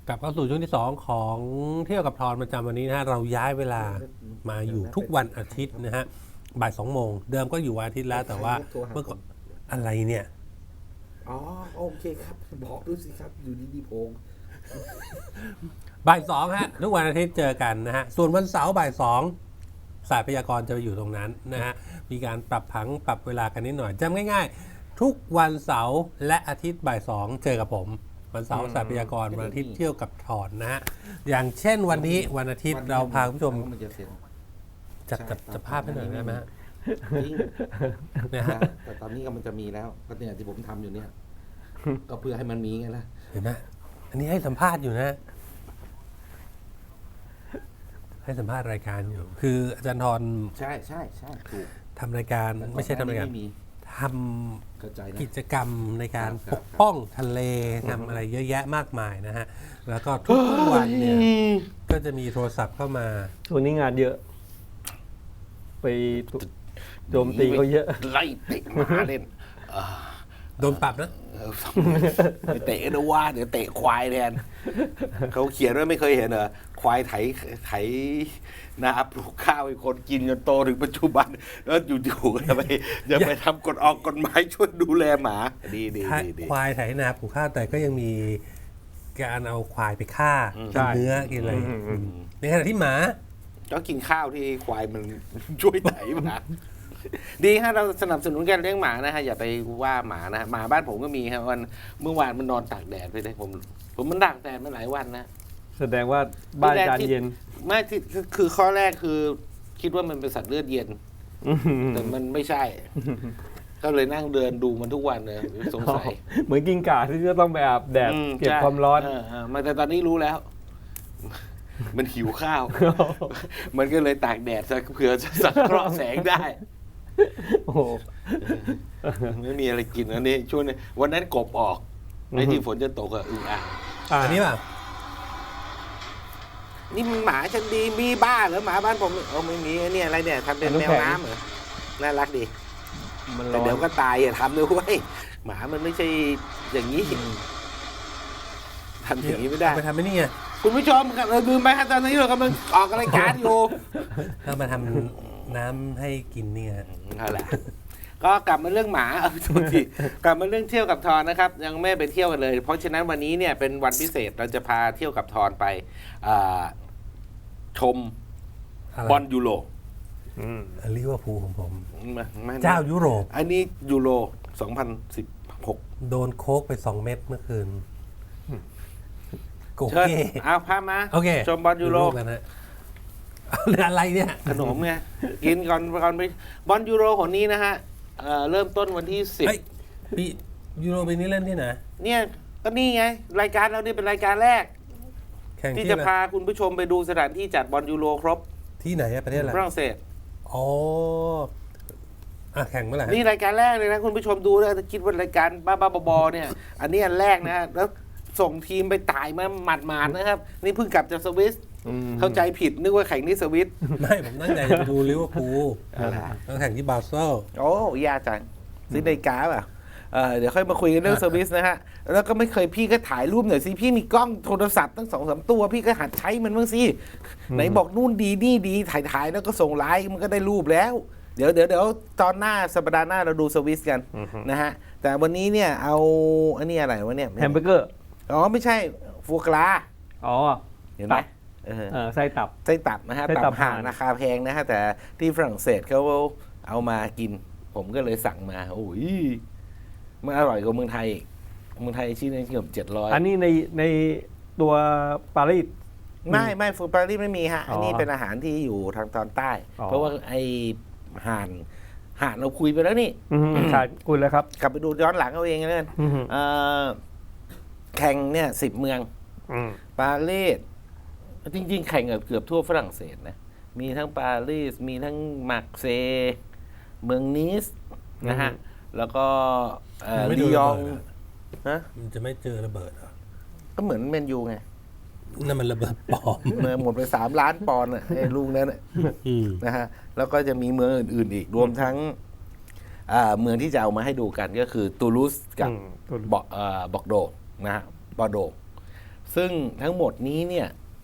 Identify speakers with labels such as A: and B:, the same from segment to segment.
A: กลับเข้าสู่ช่วงที่2ของเที่ยวกับทอนประจำวันนี้นะฮะเราย้ายเวลามาอยู่ทุกวันอาทิตย์นะฮะบ่าย2 โมงเดิมก็อยู่วันอาทิตย์แล้วแต่ว่าเมื่อก่อนอะไรเนี่ย
B: อ๋อโอเคครับบอกดูสิครับอยู่ดีๆโพง
A: บ่าย2ฮะทุกวันอาทิตย์เจอกันนะฮะส่วนวันเสาร์บ่าย2สายพยากรณ์จะไปอยู่ตรงนั้นนะฮะมีการปรับผังปรับเวลากันนิดหน่อยจำง่ายๆทุกวันเสาร์และอาทิตย์บ่าย2เจอกับผมวันเสาร์สายพยากรณ์วันอาทิตย์เที่ยวกับถอนนะฮะอย่างเช่นวันนี้วันอาทิตย์เราพาคุณผู้ชมจัดภาพให้หน่อยได้ไหมฮะ
B: เนี่ยฮะแต่ตอนนี้ก็มันจะมีแล้วก็เนี่ยที่ผมทำอยู่เนี่ยก็เพื่อให้มันมีไงล่ะ
A: เห็นไหมอันนี้ให้สัมภาษณ์อยู่นะให้สัมภาษณ์รายการอยู่คืออาจารย์ทร
B: ใช่ถูก
A: ทำรายการไม่ใช่ทำรายการทำกิจกรรมในการปกป้องทะเลทำอะไรเยอะแยะมากมายนะฮะแล้วก็ทุกวันเนี่ยก็จะมีโทรศัพท์เข้ามา
C: ช่วงนี้งานเยอะไปโจมตีเขาเยอะ
B: ไล่เตะมาเล่น
A: โดนปรับนะ
B: เตะนะว่าเดี๋ยวเตะควายแทนเขาเขียนว่าไม่เคยเห็นเหรอควายไถนาปลูกข้าวให้คนกินจนโตถึงปัจจุบันแล้วอยู่ๆจะไปทำกฎหมายช่วยดูแลหมาดี
A: ควายไถนาปลูกข้าวแต่ก็ยังมีการเอาควายไปฆ่ากินเนื้อกินอะไรในขณะที่หมา
B: ก็กินข้าวที่ควายมันช่วยไถมาดีฮะเราสนับสนุนการเลี้ยงหมานะฮะอย่าไปว่าหมานะหมาบ้านผมก็มีครับวันเมื่อวานมันนอนตากแดดไปเลยผมมันตากแดดมาหลายวันนะ
C: แสดงว่าบ้านจานเย็น
B: ไม่ที่คือข้อแรกคือคิดว่ามันเป็นสัตว์เลือดเย็นแต่มันไม่ใช่ก็เลยนั่งเดินดูมันทุกวันเลยสงสัย
C: เหมือนกิ้งก่าที่จะต้องไปอาบแดดเก็บความร้อน
B: มาแต่ตอนนี้รู้แล้วมันหิวข้าวมันก็เลยตากแดดเผื่อจะสังเคราะห์แสงได้
C: โอ้โห
B: ไม่มีอะไรกินอันนี้ช่วงนี้วันนั้นกบออกในที่ฝนจะตกอะอึ่งอ่าง
A: อันนี้ป่ะ
B: นี่มันหมาฉันดีมีบ้าเหรอหมาบ้านผมไม่มีเนี่ยอะไรเนี่ยทำเป็นแมวน้ำเหรอน่ารักดีแต่เดี๋ยวก็ตายอย่าทำเลยเว้ยหมามันไม่ใช่อย่างนี้ทำอย่างนี้ไม่ได้
A: ไปทำไม่นี่ไง
B: คุณผู้ชมครับเราลืมไปครับตอนนี้เรากำลังออกรายการอยู่
A: เรามาทำน้ำให้กินเนี่ย
B: นั่นแหละก็กลับมาเรื่องหมาทุกทีกลับมาเรื่องเที่ยวกับทอนนะครับยังไม่ไปเที่ยวกันเลยเพราะฉะนั้นวันนี้เนี่ยเป็นวันพิเศษเราจะพาเที่ยวกับทอนไปชมบอลยูโร
A: ลิเวอร์พูลของผมเจ้ายุโรป
B: อันนี้ยูโร2016
A: โดนโค้กไป2 เม็ดเมื่อคืน
B: โอเคเอาพามาชมบอลยูโร
A: กันนะอะไรเนี่ย
B: ขนมไงกินก่อนไปบอลยูโรของนี้นะฮะเริ่มต้นวันที่10
A: ปียูโรปีนี้เล่นที่ไหน
B: เนี่ยก็นี่ไงรายการเรานี่เป็นรายการแรกที่จะพาคุณผู้ชมไปดูสถานที่จัดบอลยูโรครบ
A: ที่ไหนประเทศอะไร
B: ฝรั่งเศส
A: อ๋อแข่งเมื่อไหร่
B: นี่รายการแรกเลยนะคุณผู้ชมดูแล้วคิดว่ารายการบ้าๆบอๆเนี่ยอันนี้อันแรกนะแล้วส่งทีมไปตายมาหมาดๆนะครับนี่เพิ่งกลับจากสวิสเข้าใจผิดนึกว่าแข่งที่สวิต
A: ไม่ผมตั้งใจจะดูลิเวอร์พูลต้องแข่งที่บาเซล
B: โอ้ยากจังซื้อนาฬิกาป่ะเดี๋ยวค่อยมาคุยกันเรื่องสวิสนะฮะแล้วก็ไม่เคยพี่ก็ถ่ายรูปหน่อยสิพี่มีกล้องโทรศัพท์ตั้ง 2-3 ตัวพี่ก็หัดใช้มันบ้างสิไหนบอกนู่นดีนี่ดีถ่ายแล้วก็ส่งไลน์มันก็ได้รูปแล้วเดี๋ยวตอนหน้าสัปดาห์หน้าเราดูสวิสกันนะฮะแต่วันนี้เนี่ยเอาอันนี้อะไรวะเนี่ย
C: แฮมเบอร์เกอร์
B: ไม่ใช่ฟัวกราเห็นไหม
C: ไส้
B: ตับนะฮะตับห่านราคาแพงนะฮะแต่ที่ฝรั่งเศสเขาเอามากินผมก็เลยสั่งมาโอ้ยมันอร่อยกว่าเมืองไทยอีกเมืองไทยชิ้นนึงเกือบ700
C: อันนี้ในตัวปารีส
B: ไม่ฟูปารีสไม่มีฮะอันนี้เป็นอาหารที่อยู่ทางตอนใต้เพราะว่าไอห่านเราคุยไปแล้วนี่
C: ใช่คุยแล้วครับ
B: กลับไปดูย้อนหลังเอาเองเลยแข่งเนี่ย10 เมืองปารีสจริงๆแข่งเกือบทั่วฝรั่งเศสนะมีทั้งปารีสมีทั้งมาร์เซย์เมืองนีสนะฮะแล้วก็ลียอง
A: มันจะไม่เจอระเบิดเหรอ
B: ก็เหมือนแมนยูไง
A: นั่นมันระเบิดปลอม
B: หมดไป3 ล้านปอนด์ไอ้ลูกนั้นนะฮะแล้วก็จะมีเมืองอื่นๆอีกรวมทั้งเมืองที่จะเอามาให้ดูกันก็คือตูลูสกับบอกโดนะฮะบอร์โดซึ่งทั้งหมดนี้เนี่ย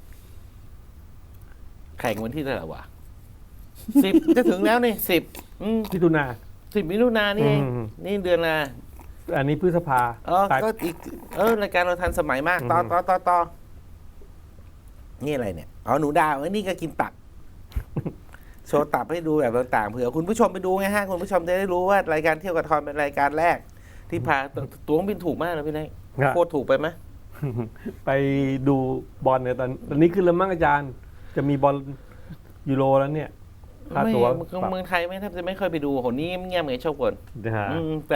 B: แข่งวันที่เท่าไหร่วะ10 จะถึงแล้วนี่10
C: พิถุนา
B: 10 มิถุนายนนี่เอง
C: อืม
B: นี่เดือนละ
C: อันนี้พฤษภา ปลาย
B: ก็อีกรายการเราทันสมัยมาก ต่อนี่อะไรเนี่ยอ๋อหนูดาวนี่ก็กินตับ โชว์ตับให้ดูแบบต่างๆเผื่อคุณผู้ชมไปดูไงฮะคุณผู้ชมจะได้รู้ว่ารายการเที่ยวกับทอนเป็นรายการแรก ที่พาตั๋วเครื่องบินถูกมากนะพี่นาย
C: ครับ
B: โคตรถูกไปไหม
C: ไปดูบอลเนี่ยตอนนี้ขึ้นแล้วมั้งอาจารย์ จะมีบอลยูโรแล้วเนี่ยค่า
B: ไม่
C: ตั๋ว
B: เมืองไทยไม่แทบจะไม่เคยไปดูโหนี่เงียบไงชอบกน
C: นะฮะ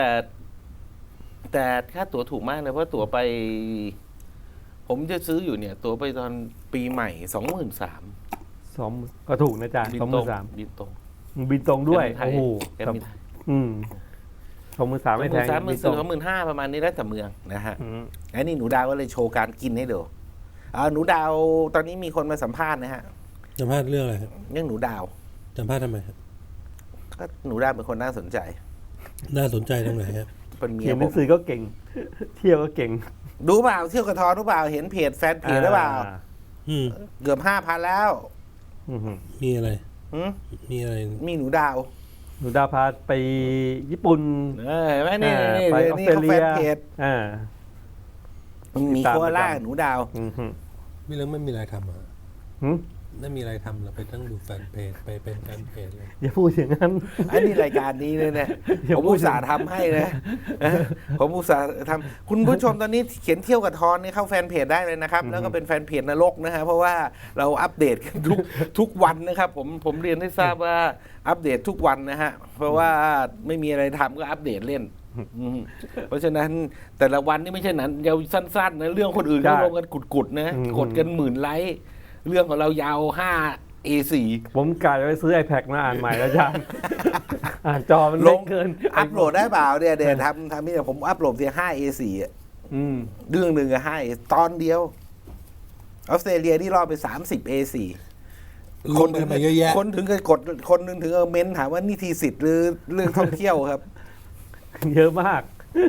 B: แต่ค่าตั๋วถูกมากเลยเพราะตั๋วไป ผมจะซื้ออยู่เนี่ย ตั๋วไปตอนปีใหม่ 23,000
C: 2ก็ถูกนะอาจารย์
B: บิน
C: สอง
B: ต
C: ห
B: ร
C: มื่
B: ง
C: นสาม
B: บินตรง
C: บินตรงด้วย
B: แกรมไทย
C: โอ้โห
B: แกรมไทย
C: 23,000ไม่แพง
B: 23,000
C: บินตรง
B: 25,000ประมาณนี้แล้วแต่เมืองนะฮะ
C: อืม
B: ไอ้นี่หนูดาวก็เลยโชว์การกินให้ดูหนูดาวตอนนี้มีคนมาสัมภาษณ์นะฮะ
A: สัมภาษณ์เรื่องอะไรครับ
B: เรื่องหนูดาว
A: สัมภาษณ์ทำไมครับ
B: ก็หนูดาวเป็นคนน่าสนใจ
A: น่าสนใจตรงไหนครับ
B: เป็นเมี
C: เขี
B: ย
C: ยนห
B: ผ
C: นั
B: ม
C: งสือก็เก่ง เที่ยวก็เก่ง
B: ดูเปล่าเที่ยวกระทอนรู้เปล่าเห็นเพจแฟนเพจหรือเปล่า
A: อืม
B: เกือบ 5,000 แล้ว
C: อืม
A: มีอะไร
B: หืม
A: มีอะไร
B: มีหนูดาว
C: หนูดาวพาไปญี่ปุ่น
B: เห็นไหมนี่
C: ไป
B: นี่
C: ออสเตร
B: เขา
C: เลี
B: แฟ
C: ย
B: นเพจ
C: อ่า
B: มีโคอาล่าหนูดาว
C: อืม
A: มีเรื่องไม่มีอะไรทำอ่ะ
C: หืม
A: ไม่มีอะไรทำเราไปตั้งดูแฟนเพจไปเป็นแฟนเพจเลย
C: อย่าพูดอย่างนั้น
B: อันนี้รายการนี้เลยเนี่ย
C: อย่า
B: ผม
C: พูด
B: อุตส่าห์ทำให้นะผมอุตส่าห์ทำคุณผู้ชมตอนนี้เขียนเที่ยวกับทอนนี่เข้าแฟนเพจได้เลยนะครับ แล้วก็เป็นแฟนเพจนรกนะฮะเพราะว่าเราอัปเดตกันทุกวันนะครับ ผมเรียนให้ทราบว่าอัปเดตทุกวันนะฮะเพราะว่าไม่มีอะไรทำก็อัปเดตเล่นเพราะฉะนั้นแต่ละวันนี่ไม่ใช่หนังยาวสั้นๆนะเรื่องคนอื่น
C: ใช่
B: เขาลงกันกุดๆนะกดกัน10,000 ไลค์เรื่องของเรายาว5 A4
C: ผมกะจะไปซื้อ iPad มาอ่านใหม่แล้วอาจารย์ อ่านจอมัน
B: ล
C: เล็
B: ง
C: กเกิน
B: อัพโหลดได้เปล่าเนี่ยเดี๋ยวทำนี่ผมอัพโหลดเพียง5 A4 อะ
C: อืม
B: เรื่องหนึ่งอะ5 ตอนเดียวออสเตรเลียนี่รอไป30 A4
A: คนถึงไปเยอะแยะ
B: คนถึงกับกดคนหนึงถึงเอาเม้นถามว่านี่ทีสิทธิ์หรือเรื่องท่องเที่ยวครับ
C: เยอะมาก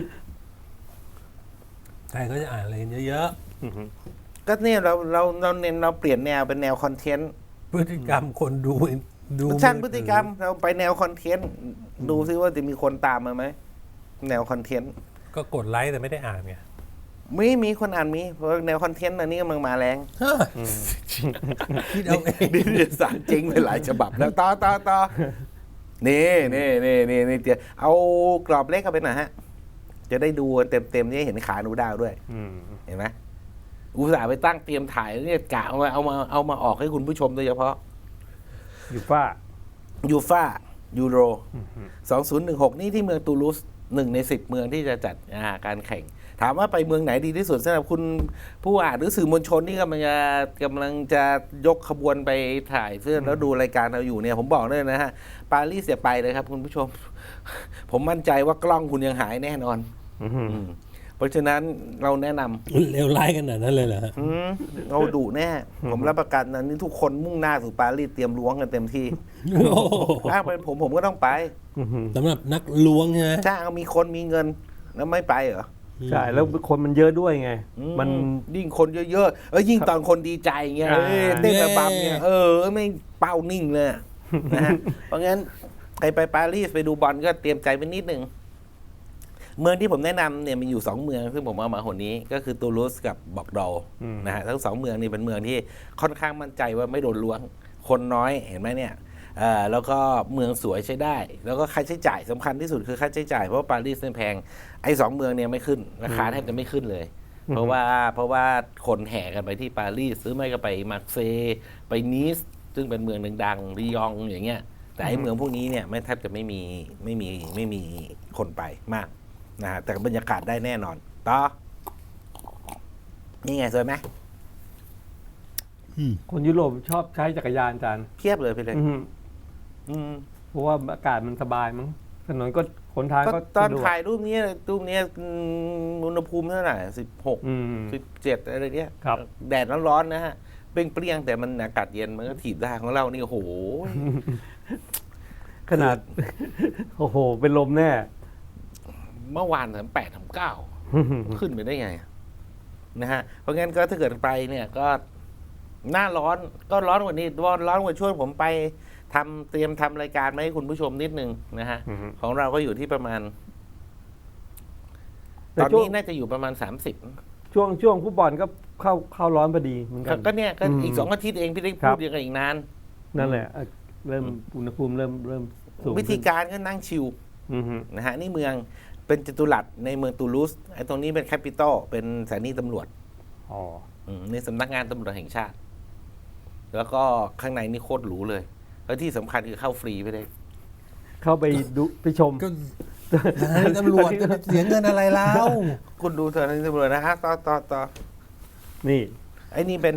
A: ใครก็จะอ่านอะไรกันเยอะ
B: ก็เนี่ยเราเน้นเราเปลี่ยนแนวเป็นแนวคอนเทนต์
A: ๆพฤติกรรมคนดู
B: ชั้นพฤติกรรมเราไปแนวคอนเทนต์ดูซิว่าจะมีคนตามมาไหมแนวคอนเทนต์
A: ก็กดไลค์แต่ไม่ได้อ่านไง
B: มีคนอ่านมีเพราะแนวคอนเทนต์อันนี้กำลังมาแรง
A: คิดเอาเอง
B: นิตยสารจริงไปหลายฉบับแล้วต่อนี่เดี๋ยวเอากรอบเล็กเข้าไปหน่อยฮะ จะได้ดูเต็มๆนี่เห็นขาหนูดาวด้วย
C: อืม
B: เห็นไหมอุตส่าห์ไปตั้งเตรียมถ่ายเนี่ยกะเอามาออกให้คุณผู้ชมโดยเฉพาะ
C: อยู่ฝ้า
B: ยูฟ่ายูโร 2016 นี่ที่เมืองตูลูส1 ใน 10 เมืองที่จะจัดการแข่ง ถามว่าไปเมืองไหนดีที่สุดสำหรับคุณผู้อ่านหรือสื่อมวลชนที่กำลังจะยกขบวนไปถ่ายเสื้อแล้วดูรายการเราอยู่เนี่ย ผมบอกเลยนะฮะ ปารีสอย่าไปเลยครับคุณผู้ชม ผมมั่นใจว่ากล้องคุณยังหายแน่นอน
C: อืม
B: เพราะฉะนั้นเราแนะนำ
A: เลวร้ายขนาดนั้นเลยเหรอฮะ
B: เราดุแน่ ผมรับประกันนะนี่ทุกคนมุ่งหน้าสู่ปารีสเตรียมล้วงกันเต็มที่
A: โอ้โห
B: ถ้าเป็นผมก็ต้องไป
A: สำหรับนักล้วงใช่ไหม
B: ถ้าเอามีคนมีเงินแล้วไม่ไปเหรอ
C: ใช่ แล้วคนมันเยอะด้วยไง มัน
B: ยิ่งคนเยอะๆยิ่งตอนคนดีใจเงี้ย
C: อ่า
B: เต้นระบำเนี่ยไม่เป้านิ่งเลยนะฮะ เพราะงั้นใครไปปารีสไปดูบอลก็เตรียมใจไว้นิดนึง เมืองที่ผมแนะนำเนี่ยมีอยู่2เมืองซึ่งผมเอามาหนนี้ก็คือตูลูสกับบอกดอลนะฮะทั้ง2เมืองนี่เป็นเมืองที่ค่อนข้างมั่นใจว่าไม่โดนล้วงคนน้อยเห็นไหมเนี่ยแล้วก็เมืองสวยใช้ได้ แล้วก็ค่าใช้จ่ายสำคัญที่สุดคือค่าใช้จ่ายเพราะว่าปารีสเนี่ยแพงไอ้2เมืองเนี่ยไม่ขึ้นราคาแทบจะไม่ขึ้นเลย เพราะว่าคนแห่กันไปที่ปารีสซื้อไม่ก็ไปมาร์เซย์ไปนีสซึ่งเป็นเมืองดังๆลียงอย่างเงี้ยแต่ไอ้เมืองพวกนี้เนี่ยไม่แทบจะไม่มีคนไปมากนะฮะแต่บรรยากาศได้แน่นอนต่อนี่ไงสวยไหม
C: คนยุโรปชอบใช้จักรยานอาจารย์
B: เพียบเลยพี่เลย
C: อืมเพราะว่าอากาศมันสบายมั้งถนนก็ขนทาง
B: ก็
C: ก็
B: ตอน
C: สะดวก
B: ถ่ายรูปนี้อุณหภูมิเท่าไหร่16
C: อืม
B: 17อะไรเนี้ย
C: ครับ
B: แดดร้อนๆนะฮะเปรี้ยงๆแต่มันอากาศเย็นมันก็ถีบได้ของเรานี่โอ้โห
C: ขนาด โอ้โห เป็นลมแน่
B: เมื่อวานถึง8 ถึง 9ขึ้นไปได้ไงนะฮะเพราะงั้นก็ถ้าเกิดไปเนี่ยก็หน้าร้อนก็ร้อนกว่านี้ร้อนกว่าช่วงผมไปเตรียมทำรายการมาให้คุณผู้ชมนิดนึงนะฮะ
C: อือฮึ
B: ของเราก็อยู่ที่ประมาณ
C: แต่
B: ตอน
C: ช่วง
B: นี้น่าจะอยู่ประมาณ30
C: ช่วงฟุตบอลก็เข้าร้อนพอดีเหมือนกัน
B: ก็เนี่ยก็
C: อืม
B: อีก2 อาทิตย์เองพี่ได้
C: ครั
B: พู
C: บ
B: ดยังไงอีกนาน
C: นั่นแหละเริ่มอุณหภูมิเริ่มสูง
B: วิธีการก็นั่งชิล
C: อือฮึ
B: นะฮะนี่เมืองเป็นจัตุรัสในเมืองตูลูสไอ้ตรงนี้เป็นแคปิตอลเป็นสถานีตำรวจ
C: อ๋อ
B: นี่สำนักงานตำรวจแห่งชาติ แล้วก็ข้างในนี่โคตรหรูเลย แล้วที่สำคัญคือเข้าฟรีไปเลย
C: เข้าไปดูไปชม
A: ก็สถานีตำรวจจะไปเสียเงินอะไรแล้ว
B: คุณดูสถานีตำรวจนะฮะต่อ
C: นี่
B: ไอ้นี่เป็น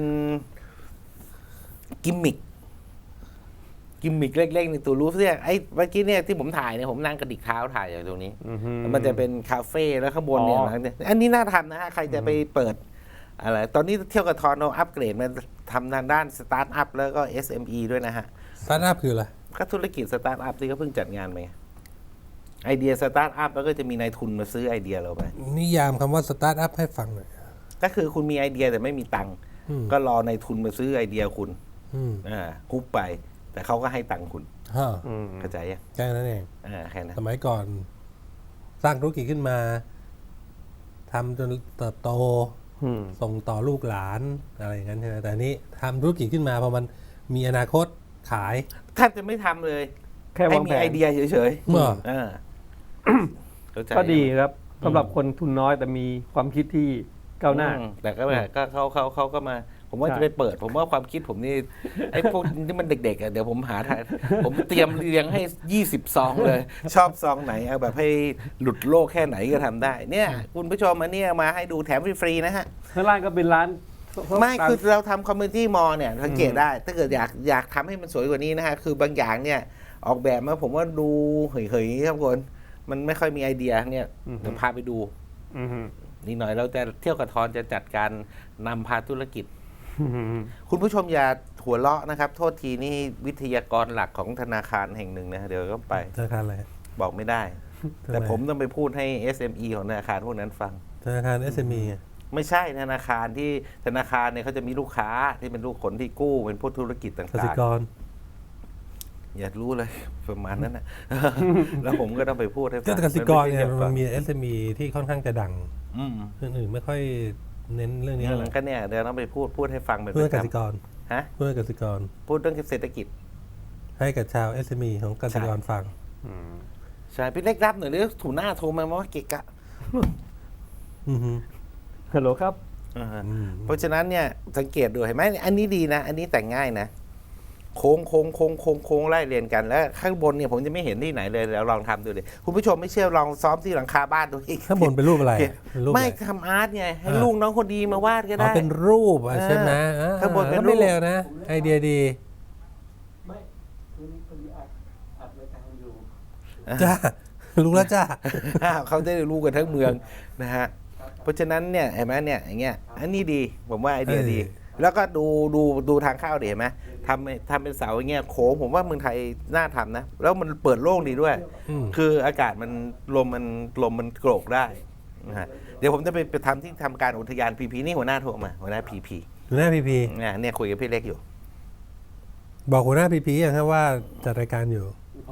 B: กิมมิคเล็กๆในตูลูสเนี่ยไอ้เมื่อกี้เนี่ยที่ผมถ่ายเนี่ยผมนั่งกระดิกเท้าถ่ายอยู่ตรงนี้
C: อือฮึ
B: มันจะเป็นคาเฟ่แล้วข้างบนเนี่ย
C: อ๋อ
B: หลังเนี่ยอันนี้น่าทำนะฮะ ใครจะไปเปิดอะไร ตอนนี้เที่ยวกับทอนเราอัปเกรดมาทำทางด้านสตาร์ทอัพแล้วก็ SME ด้วยนะฮะ
A: สตาร์ทอัพคืออะไร
B: ก็ธุรกิจสตาร์ทอัพที่เขาเพิ่งจัดงานไปไงไอเดียสตาร์ทอัพแล้วก็จะมีนายทุนมาซื้อไอเดียเราไป
A: นิยามคำว่าสตาร์ทอัพให้ฟังหน่อย
B: ก็คือคุณมีไอเดียแต่ไม่มีตังค์
A: อืม
B: ก็รอนายทุนมาซื้อไอเดียคุณ
A: อืม
B: ฮุบไป แต่เขาก็ให้ตังค์คุณ
A: ฮะ
C: อืม
B: เข้าใจยัง
A: แค่นั้นเอง
B: แค่นั้น
A: สมัยก่อน สร้างธุรกิจขึ้นมาทำจนเติบโต
C: อืม
A: ส่งต่อลูกหลานอะไรอย่างนั้นใช่ไหมแต่อันนี้ทำธุรกิจขึ้นมาพอมันมีอนาคตขาย
B: แทบจะไม่ทำเลย
C: แค่
B: ให้
C: วาง
B: มี
C: แผ
B: ไอน เดียเฉย
A: เมื่อ
B: ๆเข้าใจ
C: ก็ดีครับสำหรับคนทุนน้อยแต่มีความคิดที่ก้าวหน้า
B: แต่ก็แบบก็เขาก็มา ผมว่า
C: ใช่
B: จะไปเปิด ผมว่าความคิดผมนี่ ไอ้พวกที่มันเด็กๆอ่ะเดี๋ยวผมหาทางผมเตรียมเรียงให้20 ซองเลย ชอบซองไหนเอาแบบให้หลุดโลกแค่ไหนก็ทำได้ เนี่ย คุณผู้ชมมาเนี่ยมาให้ดูแถมฟรีๆนะฮะ
C: ข้างล่างก็เป็นร้าน
B: ไม่คือเราทำคอมมูนิตี้มอลเนี่ยสังเกตได้ ถ้าเกิดอยากทำให้มันสวยกว่านี้นะฮะ คือบางอย่างเนี่ย ออกแบบมาผมว่าดูเฉยๆครับคนมันไม่ค่อยมีไอเดียเนี่ยเดี๋ยวพาไปดู
C: อือฮึ
B: นี่หน่อยเราจะเที่ยวกับทอนจะจัดการนำพาธุรกิจ
C: อือฮึ
B: คุณผู้ชมอย่าหัวเราะนะครับ โทษทีนี่วิทยากรหลักของธนาคารแห่งหนึ่งนะเดี๋ยวก็ไป
A: ธนาคารอะไร
B: บอกไม่ได้
A: ทำไม
B: แต่ผมต้องไปพูดให้ SME ของธนาคารพวกนั้นฟัง
A: ธนาคาร SME ไง
B: ไม่ใช่ธนาคารที่ธนาคารเนี่ยเขาจะมีลูกค้าที่เป็นลูกคนที่กู้เป็นพวกธุรกิจ
A: ก
B: ต่า
A: สิ
B: ง
A: กร
B: ๆ อย่ารู้เลยประมาณนั้นนะ แล้วผมก็ต้องไปพูดให้ฟั
A: ก็
B: ง
A: กสิกรเนี่ย
B: ไใช่
A: มันมี SME ที่ค่อนข้างจะดัง
B: อืม
A: เรื่องอื่นไม่ค่อยเน้นเรื่องนี้เท่าไหร่
B: ก็เนี่ยเดี๋ยวต้องไปพูดให้ฟังเป็น
A: เพื่อ
B: ประ
A: ก
B: จ
A: สิกร
B: ำฮะ
A: เพื่อกสิกร
B: พูดเรื่องเศรษฐกิจ
A: ให้กับชาว SME ของกสิกรฟัง
C: อืม
B: ใช่พี่เล็กรับหน่อยหรือถูหน้าโทรมาว่าเกะกะ
A: อือฮึ
C: ฮัลโหลครับ
B: อ่าฮะ
A: อืม
B: เพราะฉะนั้นเนี่ยสังเกตดูเห็นไหมอันนี้ดีนะ อันนี้แต่งง่ายนะ โค้งไล่เรียนกันแล้วข้างบนเนี่ยผมจะไม่เห็นที่ไหนเลยแล้วลองทำดูเลยคุณผู้ชมไม่เชื่อลองซ้อมที่หลังคาบ้านดูอีก
A: ข้างบนเป็นรูปอะไร
B: เขียน
A: เป็นรูป
B: ไม่
A: อะไร
B: ทำอาร์ตไงให้ลูกน้องคนดีมาวาดก็
A: อ๋อ
B: ได้
A: เป็นรูปอ่ะใช่ไหมอ่
B: ข้างบนเป็น
A: ก็ไม่
B: รูป
A: เร็วนะ ไอเดียดี
C: ไม่คือพอดีอัดรายการอยู่
A: จ้า รู้แล้วจ้า
B: เขาจะได้รู้กันทั้งเมืองนะฮะเพราะฉะนั้นเนี่ยเห็นไหมเนี่ยอย่างเงี้ยอันนี้ดีผมว่าไอเดียดี แล้วก็ดูทางเข้าดิเห็นไหมทำเป็นเสาอย่างเงี้ยโค้งผมว่าเมืองไทยน่าทำนะ แล้วมันเปิดโล่งดีด้วย
A: อืม
B: คืออากาศมันลมมันโกรกได้นะฮะเดี๋ยวผมจะไปทำที่ทำการอุทยานพีพีนี่หัวหน้าโทรมาหัวหน้าพีพี
A: หัวหน้าพีพี
B: เนี่ยคุยกับพี่เล็กอยู่
A: บอกหัวหน้าพีพีอย่างครับว่าจัดรายการอยู่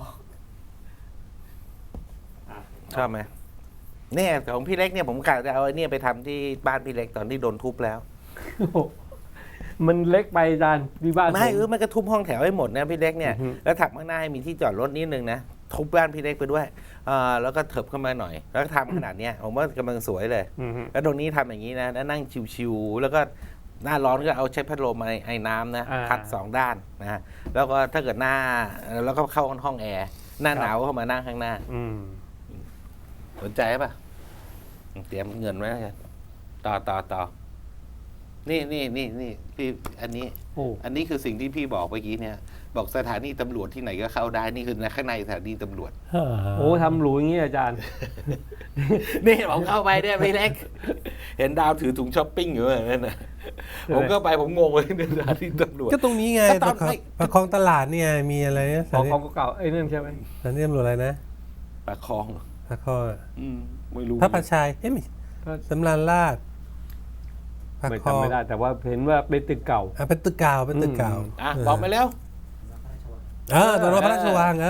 B: ชอบไหมเนี่ยของพี่เล็กเนี่ยผมกะจะเอาไอ้เนี่ยไปทำที่บ้านพี่เล็กตอนที่โดนทุบแล้ว
C: มันเล็กไปอาจารย์ที่บ้าน
B: ไม่
C: ผม
B: มันก็ทุบห้องแถวให้หมดนะพี่เล็กเนี่ย
C: อือฮึ
B: แล้วถักข้างหน้าให้มีที่จอดรถนิดนึงนะทุบบ้านพี่เล็กไปด้วยแล้วก็เถิบเข้ามาหน่อย แล้วก็ทำขนาดเนี้ยผมว่ากำลังสวยเลย
C: อือฮึ
B: แล้วตรงนี้ทำอย่างนี้นะแล้วนั่งชิวๆแล้วก็หน้าร้อนก็เอาใช้พัดลมไอ้น้ำนะพัดสองด้านนะฮะแล้วก็ถ้าเกิดแล้วก็เข้าห้องแอร์หน้าหนาวก็เข้ามานั่งข้างหน้า
C: อืม
B: สนใจป่ะเตรียมเงินไว้แล้วกันต่อนี่พี่อันนี้คือสิ่งที่พี่บอกเมื่อกี้เนี่ย บอกสถานีตำรวจที่ไหนก็เข้าได้นี่คือข้างในสถานีตำรวจ
C: โอ้ทำหรูอย่างนี้อาจารย์
B: นี่ผมเข้าไปเนี่ยพี่เล็ก เห็นดาวถือถุงช้อปปิ้งอยู่แบบนั้นนะผมก็ไปผมงงเลยในสถานีตำรวจ
A: ก็ตรงนี้ไง
B: ก็ตอน
A: ประคองตลาดเนี่ยมีอะไรนะ
C: ของเก่าๆไอ้นั่นใช่ไหม
A: สถานีตำรวจอะไรนะ
B: ปากคลอง
A: พระข้อ
B: ไม่รู้
A: พระประชายเอ้ยไม่สำราญราชพระ
C: ไม่
A: คลอง
C: จำไม่ได้ แต่ว่าเห็นว่าเป็นตึกเก่า
A: เป็นตึกเก่าเป็นตึกเก่า
B: บอกมาแล้ว
A: ตอนนั้นพระราชวัง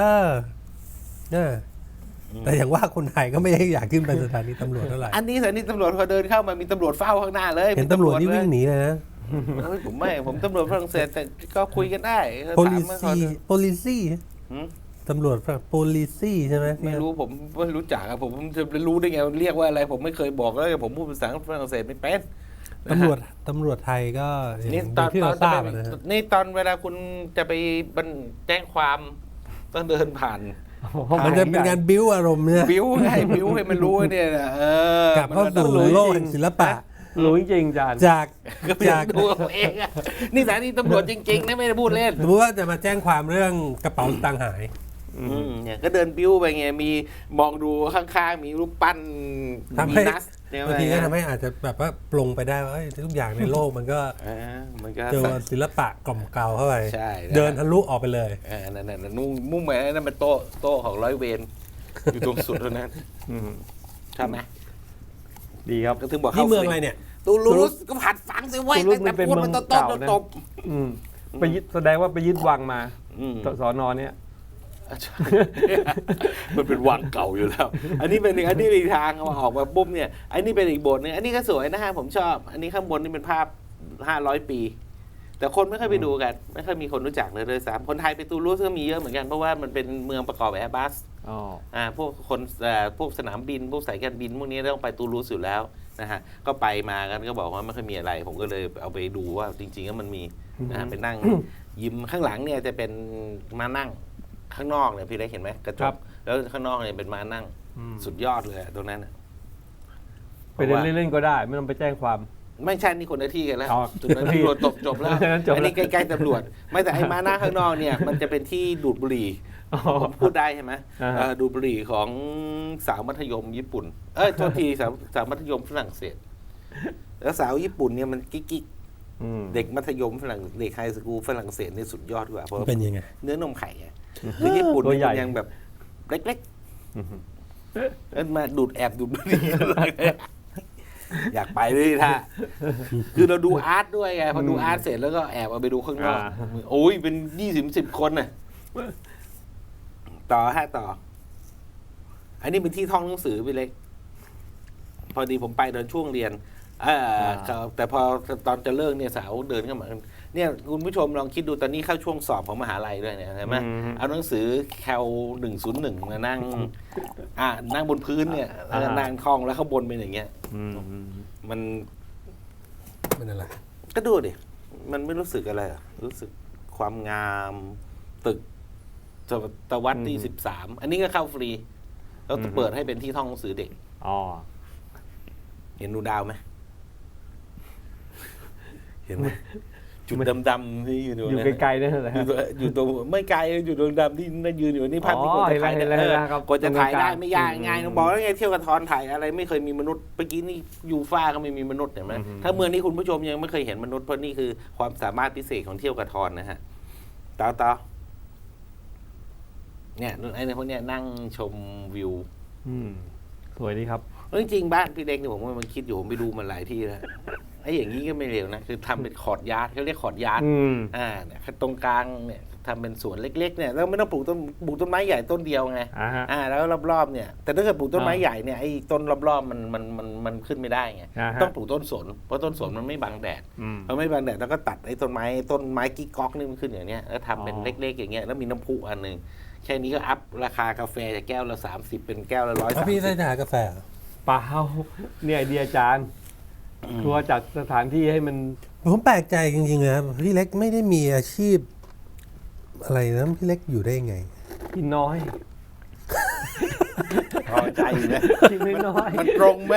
A: แต่อย่างว่าคนไทยก็ไม่ได้อยากขึ้นไปสถานีตำรวจเท่าไหร่
B: อันนี้สถานีตำรวจพอเดินเข้ามามีตำรวจเฝ้าข้างหน้าเลย
A: เห็นตำรวจนี่วิ่งหนีเลยนะ
B: เฮ้ยผมตำรวจฝรั่งเศสแต่ก็คุยกันได้ถามว่าเขา
A: policy
B: หืม
A: ตำรวจ policy ใช่ไหม
B: ไม่รู้ผมไม่รู้จักอะผมจะไปรู้ได้ไงเรียกว่าอะไร ผมไม่เคยบอกแล้วผมพูดภาษาฝรั่งเศสไม่เป็น
A: ตำรวจไทยก็อย่าง
B: นี่ตอน
A: ที่เราทราบอะนะฮะ
B: นี่ตอนเวลาคุณจะไปแจ้งความต้องเดินผ่าน
A: มันจะเป็นการบิ้วอารมณ์เนี่ย
B: บิ้วให้มันรู้เนี่ยนะ
A: กลับเข้าสู่โลกแห่งศิลปะ
C: รู้จริงๆอาจารย์
A: จาก
B: ก็ไปดูเอาเองอะนี่สถานีตำรวจจริงๆนะไม่ได้พูดเล่น
A: สมมติว่าจะมาแจ้งความเรื่องกระเป๋าสตางค์หาย
B: เนี่ยก็เดินบิ้วไปไงมีมองดูข้างๆมีรูปปั้น
A: ทำ
B: มี
A: ให้
B: นัสเนี่ย
A: บางทีก็ทำให้อาจจะแบบว่าปลงไปได้ว่าทุกอย่างในโลกมันก็
B: มันก็
A: เจอศิลปะกล่อมเกลาเข้าไป
B: ใช่
A: เดินทะลุออกไปเลย
B: นั่นมุ่งหมายนั่นเป็นโต๊ะของร้อยเวรอยู่ตรงสุดเท่านั้น
C: อืม
B: ใช่ไหม
C: ดีครับ
B: ก็ถึงบอก
A: ที่เมืองอะไรเนี่ย
B: ตูลูสก็ผัดฝังสิไว้
C: ตูลูส
B: ตั้งแต่
C: มันเป็น
B: พูด
C: เมื
B: มั
C: อนง
B: ตบ
C: เก่านะ
B: ตบ
C: อืมไปยึดแสดงว่าไปยึดวังมา สอนอเนี่ย
B: มันเป็นวังเก่าอยู่แล้ว อันนี้เป็นอีกทางมาออกมาปุ๊บเนี่ย อันนี้เป็นอีกโบสถ์นึงอันนี้ก็สวยนะฮะผมชอบ อันนี้ข้างบนนี่เป็นภาพ500 ปี แต่คนไม่ค่อยไปดูกัน ไม่ค่อยมีคนรู้จักเลยซ้ำคนไทยไปตูลูสก็มีเยอะเหมือนกันเพราะว่ามันเป็นเมืองประกอบแอร์บัส
C: อ๋อ
B: พวกคนพวกสนามบินพวกสายการบินพวกนี้ต้องไปตูลูสอยู่แล้วนะฮะก็ไปมากันก็บอกว่าไม่ค่อยมีอะไร ผมก็เลยเอาไปดูว่าจริงๆแล้วมันมีนะฮะไปนั่งยิ้มข้างหลังเนี่ยจะเป็นมานั่งข้างนอกเนี่ยพี่เล็กเห็นไหมกระจ
C: ครั
B: ก
C: บ
B: แล้วข้างนอกเนี่ยเป็นมานั่ง
C: อืม
B: สุดยอดเลยตรงนั้นน่ะ
C: ไปเดินเล่นๆก็ได้ ไม่ต้องไปแจ้งความ
B: ไม่ใช่นี่คนละที่กันแล้ว
C: อ๋อ
B: จุดนั้นตำรวจจบแล้ว
C: อันนั้นจบแล้ว
B: อันนี้ใกล้ๆตำรวจ ไม่แต่ไอ้มานั่งข้างนอกเนี่ยมันจะเป็นที่ดูดบุหรี่
C: อ๋อ
B: ผมพูดได้ใช่ไหม
C: อ่าฮะ
B: ดูดบุหรี่ของสาวมัธยมญี่ปุ่น โทษทีสาวมัธยมฝรั่งเศส แล้วสาวญี่ปุ่นเนี่ยมันกิ๊ก
C: อืม
B: เด็กมัธยมฝรั่งเด็กไฮสคูลฝรั่งเศสนี่สุดยอดกว่าเพราะ
A: เป็นยังไง
B: เนื้อนมไข่ไงคือญี่ปุ่น
C: ตัว
B: เนี่ย
C: ใหญ่
B: มันยังแบบเล็ก
C: อืม
B: ๆแล้วมาดูดแอบดูดบุหรี่ อยากไปเลยท่าคือเราดูอาร์ตด้วยไงพอดูอาร์ตเสร็จแล้วก็แอบเอาไปดูข้างนอกโอ้ยเป็น20-10 คนน่ะต่ออันนี้เป็นที่ท่องหนังสือไปเล็ก พอดีผมไปตอนช่วงเรียนแต่พอตอนจะเลิกเนี่ยสาวเดินเข้ามาเนี่ยคุณผู้ชมลองคิดดูตอนนี้เข้าช่วงสอบของมหาลัยด้วยเนี่ยใช่ไหมเอาหนังสือแคล101มานั่งนั่งบนพื้นเนี่ยแล้วก็นั่งท่องแล้วข้างบนเป็นอย่างเงี้ย
C: อืม
B: มัน
A: เป็นอะไร
B: ก็ดูดิมันไม่รู้สึกอะไรอะรู้สึกความงามตึกตะวัดที่13อันนี้ก็เข้าฟรีแล้วเปิดให้เป็นที่ท่องหนังสือเด็ก
C: อ๋อ
B: เห็นดูดาวไหม เห็นไหม จุดดำๆที่อยู่ตรง
C: อยู่
B: นั้น
C: ไกลๆนั่นแหละ
B: อยู่ตรงไม่ไกลอยู่ตรงดำที่นั่นยืนอยู่นี่ภาพที่
C: อ๋
B: ค
C: อน
B: จะถ่าย
C: เห็นแล้วเห็นแล้วครับ
B: กว่าจะถ่ายได้
C: ตรงกลาง
B: ไม่ยากง่ายน้องบอกแล้วไงเที่ยวกับทอนถ่ายอะไรไม่เคยมีมนุษย์เมื่อกี้นี่ยูฟ่าก็ไม่มีมนุษย์เห็นไหมถ้าเมืองนี้คุณผู้ชมยังไม่เคยเห็นมนุษย์เพราะนี่คือความสามารถพิเศษของเที่ยวกับทอนนะฮะต่อเนี่ยไอ้พวกเนี้ยนั่งชมวิว
C: อืมสวยดีครับ
B: จริงๆบ้านพี่เล็กเนี่ยผมว่ามันคิดอยู่ผมไปดูมันหลายที่แล้วไอ้อย่างนี้ก็ไม่เร็วนะคือทำเป็นคอร์ดยาร์ดเขาเรียกคอร์ดยาร์ด
C: อืม
B: เนี่ยตรงกลางเนี่ยทำเป็นสวนเล็กๆเนี่ยแล้วไม่ต้องปลูกต้นไม้ใหญ่ต้นเดียวไง
C: ฮะ
B: แล้วรอบๆเนี่ยแต่ถ้าเกิดปลูกต้นไม้ใหญ่เนี่ยไอ้ต้นรอบๆมันขึ้นไม่ได้ไง
C: อ่าฮะ
B: ต้องปลูกต้นสนเพราะต้นสนมันไม่บังแดด
C: อืม
B: พอไม่บังแดดแล้วก็ตัดไอ้ต้นไม้กิ๊กก๊อกนี่มันขึ้นอย่างเนี้ยแล้วทำเป็น
C: อ๋อ
B: เล็กๆอย่างเงี้ยแล้วมีน้ำพุอันหนึ่งแค่นี้ก็อัพราคากาแฟจากแก้วละ30เป็นแก้วละ
A: แล้วพี่ได้
B: 130
A: ทานกาแฟเหรอ
C: เปล่าเนี่ยไอเดียอาจารย์ครัวจัดสถานที่ให้มัน
A: ผมแปลกใจจริงๆนะครับพี่เล็กไม่ได้มีอาชีพ อะไรนะพี่เล็กอยู่ได้ไง
C: กินน้อย
B: พอใจอยู่นะ
C: กินน้อย
B: มันตรงไหม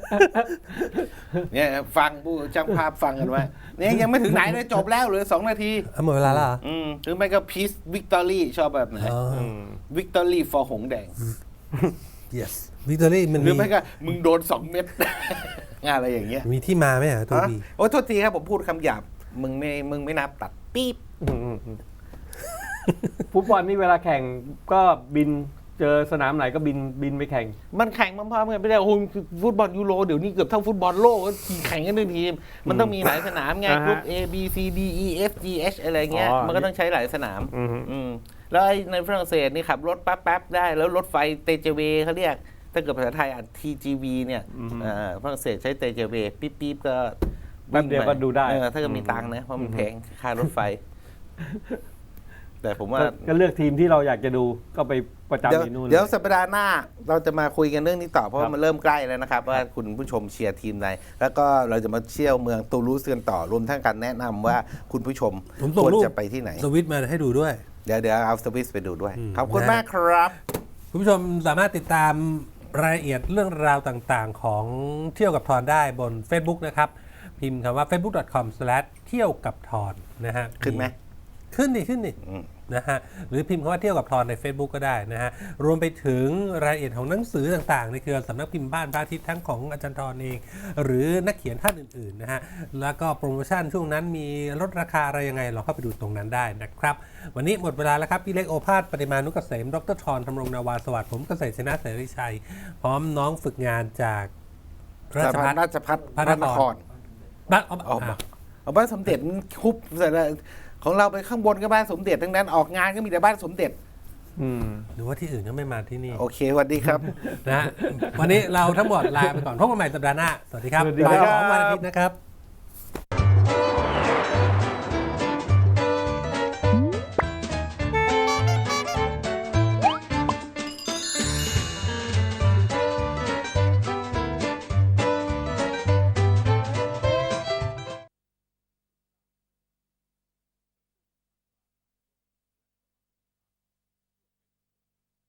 B: เนี่ยฟังผู้ช่างภาพฟังกันไว้เนี่ยยังไม่ถึงไหนเลยจบแล้วเหลือ2 นาที
A: หมดเวลาแล้วเหรอ
B: หรือไม่ก็พีซวิกตอรี่ชอบแบบไหน
A: อ๋อ
C: อืม
B: วิกตอรี่ฟอร์หงแดง
A: yes วิกตอรี่มัน
B: หรือ
A: มี
B: ไม่ก็มึงโดน2 เม็ด งานอะไรอย่างเงี้ย
A: มีที่มาไหมอ่ะตัว
B: ฮะ
A: ดี
B: โอ้โทษทีครับผมพูดคำหยาบมึงไม่นับตัดปี๊บ
C: ฟุตบอลนี่เวลาแข่งก็บินเจอสนามไหนก็บินไปแข่ง
B: มันแข่งพร้อมๆกันไม่ได้โอ้โหฟุตบอลยูโรเดี๋ยวนี้เกือบเท่าฟุตบอลโลกก็แข่งกันหนึ่งทีมมันต้องมีหลายสนามไง
C: อ่าฮะ
B: กรุ๊ป A B C D E F G H อะไรเงี้ย
C: อ๋อ
B: มันก็ต้องใช้หลายสนาม
C: อืม
B: อืมแล้วไอ้ในฝรั่งเศสนี่ขับรถแป๊บๆได้แล้วรถไฟเตเจเวเขาเรียกถ้าเกิดภาษาไทยอ่าน TGV เนี่ยฝรั่งเศสใช้เตเจเวปิ๊บๆก็
C: แป๊บเดียวก็ดูได้
B: ถ้าเกิดมีตังค์นะเพราะมันแพงค่ารถไฟ แต่ผมว่า
C: ก็เลือกทีมที่เราอยากจะดูก็ไปประจำที่นู่น
B: เดี๋ยวสัปดาห์หน้าเราจะมาคุยกันเรื่องนี้ต่อเพราะ
C: ครั
B: ว่า
C: บ
B: มันเริ่มใกล้แล้วนะครับ ว่าคุณผู้ชมเชียร์ทีมไหนแล้วก็เราจะมาเที่ยวเมืองตูลูสกันต่อรวมทั้งการแนะนำว่าคุณผู้ชม
A: ผมส่ง
B: ควร
A: รูป
B: จะไปที่ไหน
A: สวิตช์มาให้ดูด้วย
B: เดี๋ยวเอาสวิสไปดูด้วย
A: อืม
B: ขอบคุณ
A: นะ
B: มากครับ
A: คุณผู้ชมสามารถติดตามรายละเอียดเรื่องราวต่างๆ ของเที่ยวกับทอนได้บน Facebook นะครับ พิมพ์คำว่า facebook.com/ เที่ยวกับทอนนะฮะ
B: ขึ้นไหม
A: ขึ้นดิ
B: อืม
A: นะฮะหรือพิมพ์คำว่าเที่ยวกับทอนใน Facebook ก็ได้นะฮะรวมไปถึงรายละเอียดของหนังสือต่างๆในเครือสำนักพิมพ์บ้านพระอาทิตย์ทั้งของอาจารย์ทอนเอง หรือนักเขียนท่านอื่นๆนะฮะแล้วก็โปรโมชั่นช่วงนั้นมีลดราคาอะไรยังไงเราเข้าไปดูตรงนั้นได้นะครับ วันนี้หมดเวลาแล้วครับ พี่เล็กโอภาสปฏิมานุกเกษมดรทอนธำรงนาวาสวัสดิ์ผมเกษตรชนะเสรีชัย พร้อมน้องฝึกงานจากราชภัฏ
B: ราชพัฒ
A: พระนคร บ้านเอา
B: เอาบ้านสมเด็จมันคุบเสร็จแล้วของเราไปข้างบนก็บ้านสมเด็จทั้งนั้นออกงานก็มีแต่บ้านสมเด็จ
A: หรือว่าที่อื่นก็ไม่มาที่นี่
B: โอเคสวัสดีครับ
A: นะฮะวันนี้เราทั้งหมดลาไปก่อนพบกันใหม่สัปดาห์หน้า สวัสดีครับ
C: สวัสดีครับ
A: บ่าย 2 วันอาทิตย์นะครับ